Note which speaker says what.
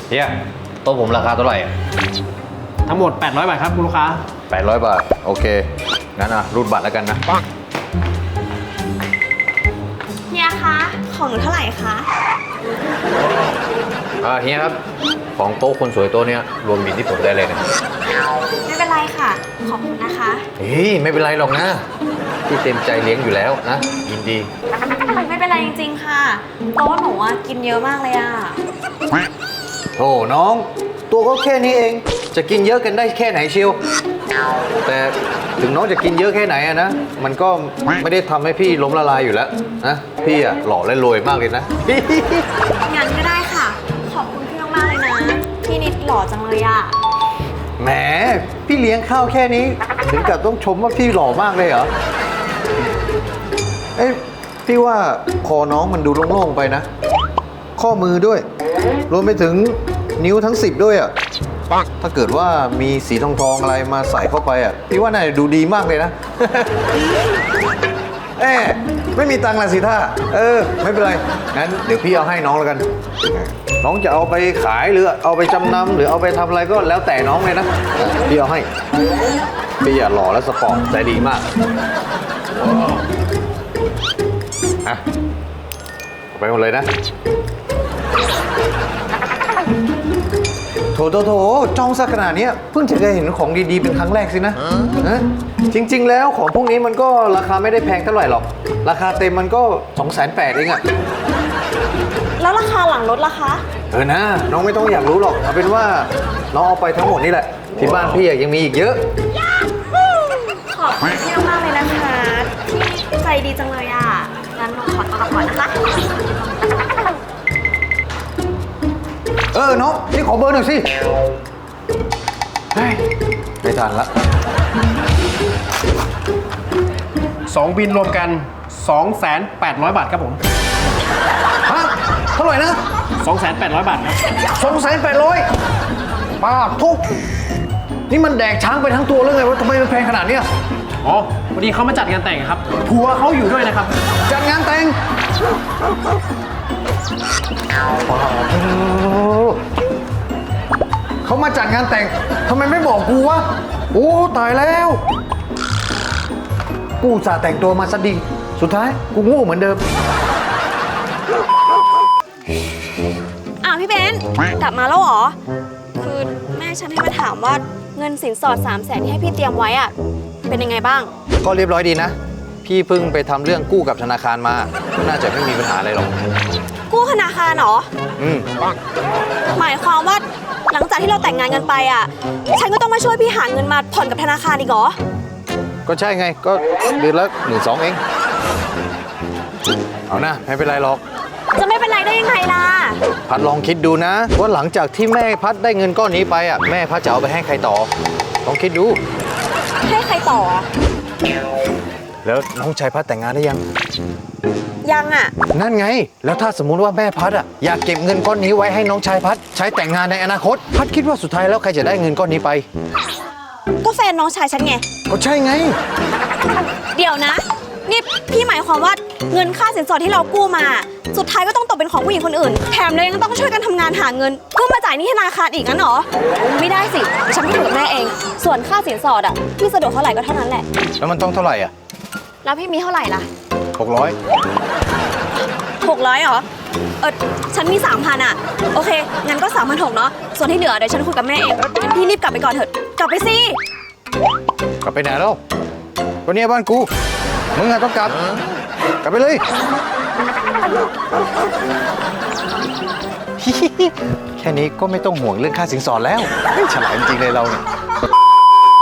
Speaker 1: เฮียโต๊ะผมราคาเท่าไหร่
Speaker 2: ทั้งหมด800 บาทครับคุณลูกค้า
Speaker 1: 800 บาทโอเคงั้นรูดบัตรแล้วกันนะ
Speaker 3: เฮียคะของหนูเท่าไหร่คะ
Speaker 1: เฮียครับของโต๊ะคนสวยโต๊ะเนี้ยรวมบินที่ผมได้เลยนะ
Speaker 3: ไม่เป็นไรค่ะขอบคุณนะคะ
Speaker 1: ไม่เป็นไรหรอกนะพี่เต็มใจเลี้ยงอยู่แล้วนะยินดี
Speaker 3: ไม่เป็นไรจริงๆค่ะเพราะว่าหนูกินเยอะมากเลยอะ
Speaker 1: โธ่น้องตัวก็แค่นี้เองจะกินเยอะกันได้แค่ไหนเชียวแต่ถึงน้องจะกินเยอะแค่ไหนอะนะมันก็ไม่ได้ทำให้พี่ล้มละลายอยู่แล้วนะพี่อะหล่อและรวยมากเลยนะ
Speaker 3: งั้นก็ได้ค่ะขอบคุณพี่มากๆเลยนะพี่นิดหล่อจังเลยอะ
Speaker 1: แหมพี่เลี้ยงข้าวแค่นี้ถึงกับต้องชมว่าพี่หล่อมากเลยเหรอพี่ว่าคอน้องมันดูโล่งๆไปนะข้อมือด้วยรวมไปถึงนิ้วทั้ง10ด้วยอ่ะถ้าเกิดว่ามีสีทองๆอะไรมาใส่เข้าไปอ่ะพี่ว่าน่าจะดูดีมากเลยนะไม่มีตังค์ละสิท่าไม่เป็นไรงั้นเดี๋ยวพี่เอาให้น้องแล้วกันน้องจะเอาไปขายหรือเอาไปจำนำหรือเอาไปทำอะไรก็แล้วแต่น้องเลยนะพี่เอาให้พี่หล่อและสปอร์ตใจดีมากเอาไปหมดเลยนะโถจ้องซะขนาดนี้เพิ่งจะเคยเห็นของดีๆเป็นครั้งแรกสินะจริงๆแล้วของพวกนี้มันก็ราคาไม่ได้แพงเท่าไหร่หรอกราคาเต็มมันก็ 280,000 เองอะ
Speaker 3: แล้วราคาหลังรถล่ะคะ
Speaker 1: นะน้องไม่ต้องอยากรู้หรอกเอาเป็นว่าน้องเอาไปทั้งหมดนี่แหละที่บ้านพี่ยังมีอีกเยอะ
Speaker 3: ขอบคุณพี่มากเลยนะคะที่ใจดีจังเลยอ่ะงั้นหนูขอตัวก่อนนะคะ
Speaker 1: น้องนี่ขอเบอร์หน่อยสิไม่ทันละ
Speaker 2: 2 บินรวมกัน 2,800 บาทครับผม
Speaker 1: ฮะเท่าไหร่นะ
Speaker 2: 2,800 บาทครับ
Speaker 1: 2,800ป้าทุกนี่มันแดกช้างไปทั้งตัวเลยไงวะทำไมมันแพงขนาดนี้
Speaker 2: อ๋อพอดีเขามาจัดงานแต่งครับผัวเขาอยู่ด้วยนะครับ
Speaker 1: จัดงานแต่งเขามาจัดงานแต่งทำไมไม่บอกกูวะโอ้ตายแล้วกูอุตส่าห์แต่งตัวมาซะดีสุดท้ายกูโง่เหมือนเดิม
Speaker 3: พี่เบนกลับมาแล้วเหรอคือแม่ฉันให้มาถามว่าเงินสินสอด300,000ที่ให้พี่เตรียมไว้อะเป็นยังไงบ้าง
Speaker 1: ก็เรียบร้อยดีนะพี่เพิ่งไปทำเรื่องกู้กับธนาคารมาน่าจะไม่มีปัญหาอะไรหรอก
Speaker 3: กู้ธนาคารเหรอหมายความว่าหลังจากที่เราแต่งงานกันไปอ่ะฉันก็ต้องมาช่วยพี่หาเงินมาผ่อนกับธนาคารอีกเหรอ
Speaker 1: ก็ใช่ไงก็เดือนละ12,000เองเอานะไม่เป็นไรหรอก
Speaker 3: จะไม่เป็นไรได้ยังไงล่ะ
Speaker 1: พัดลองคิดดูนะว่าหลังจากที่แม่พัดได้เงินก้อนนี้ไปอ่ะแม่พัดจะเอาไปให้ใครต่อลองคิดดู
Speaker 3: ให้ใครต่อ
Speaker 1: แล้วน้องชายพัดแต่งงานได้
Speaker 3: ยังอ่ะ
Speaker 1: นั่นไงแล้วถ้าสมมุติว่าแม่พัดอ่ะอยากเก็บเงินก้อนนี้ไว้ให้น้องชายพัดใช้แต่งงานในอนาคตพัดคิดว่าสุดท้ายแล้วใครจะได้เงินก้อนนี้ไป
Speaker 3: ก็แฟนน้องชายฉันไง
Speaker 1: ก็ใช่ไง
Speaker 3: เดี๋ยวนะนี่พี่หมายความว่าเงินค่าสินสอดที่เรากู้มาสุดท้ายก็ต้องตกเป็นของผู้หญิงคนอื่นแถมเลยยังต้องช่วยกันทำงานหาเงินเพื่อมาจ่ายหนี้ธนาคารอีกงั้นเหรอไม่ได้สิฉันคุยกับแม่เองส่วนค่าสินสอดอ่ะพี่สะดวกเท่าไหร่ก็เท่านั้นแหละ
Speaker 1: แล้วมันต้องเท่าไหร่อ่ะ
Speaker 3: แล้วพี่มีเท่าไหร่ล่ะ
Speaker 1: 600
Speaker 3: เหรอฉันมี 3,000อ่ะโอเคงั้นก็3,600เนาะส่วนที่เหลือเดี๋ยวฉันคุยกับแม่เองงั้นพี่รีบกลับไปก่อนเถอะกลับไปสิ
Speaker 1: กลับไปไหนแล้วก็เนี่ยบ้านกูมึงอะต้องกลับไปเลยแค่นี้ก็ไม่ต้องห่วงเรื่องค่าสินสอดแล้วฉลาดจริงๆเลยเราเนี่ย